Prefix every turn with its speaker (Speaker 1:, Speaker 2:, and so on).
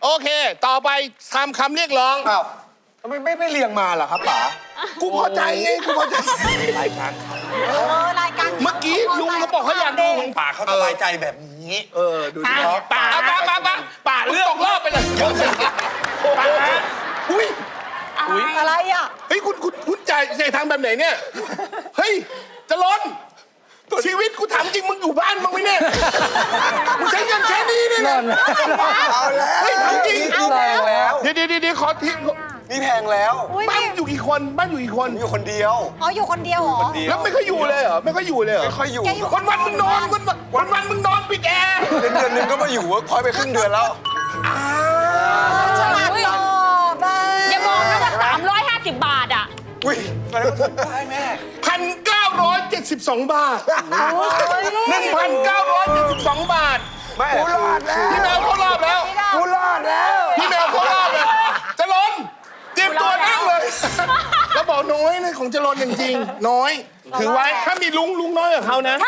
Speaker 1: โอเค ต่อไปทำคำเรียกร้อง
Speaker 2: อ้าวทำไมไม่เรียงมาล่ะครับป๋า
Speaker 1: กูพอใจไง กูพอใจ
Speaker 2: รายการ
Speaker 3: รายการ
Speaker 1: เมื่อกี้ลุงเขาบอกเขาอยากดูของ
Speaker 2: ป๋าเขาสบายใจแบบนี้ ดูสิ
Speaker 1: ป่าป่าเลือกตกรอบไปเลยป่าอุ้ย
Speaker 3: อะไรอ่ะ
Speaker 1: เฮ้ยคุณจ่ายทางแบบไหนเนี่ย เฮ้ยจะล้นชีวิตกูถามจริงมึงอยู่บ้านมึงไหมเนี่ยมึงใช้เงินแค่นี้เนี่ยนะ
Speaker 2: เอาแล้ว
Speaker 1: เฮ้ยถามจริง
Speaker 2: นี่แพงแล้ว
Speaker 1: เดี๋ยวขอทิ้ง
Speaker 2: นี่แพงแล้ว
Speaker 1: บ้านอยู่กี่คนบ้านอยู่กี่คน
Speaker 2: ผมอยู่คนเดียว
Speaker 3: อ๋ออยู่คนเดียวเหรอ
Speaker 1: แล้วไม่ค่อยอยู่เลยเหรอไม่ค่อยอยู่เลยเหรอ
Speaker 2: ไม่ค่อยอยู่
Speaker 1: วันมึงนอนวันมึงนอนปิดแอร์
Speaker 2: เดือนหนึงก็มาอยู่เวิร์กพอยต์ไปครึ่งเดือนแล้ว
Speaker 3: ฉลาดตอบอ่ะ
Speaker 4: อย่าบอกนะว่า350 บาทอ่ะ
Speaker 2: อุ้ยมาแล้วผมได้แม่
Speaker 1: 1,972 บาท 1,972 บาท
Speaker 2: แม่กูรอดแล้ว
Speaker 1: พี่แมวเข้ารอบแล้ว
Speaker 2: กูรอดแล้ว
Speaker 1: พี่แมวเข้ารอบแล้วจะล้นเตรียมตัวนั่งเลย แล้วบอกน้อยนะของจะล้นจริงๆน้อย ถือไว้ถ้ามีลุงน้อยกับเขานะ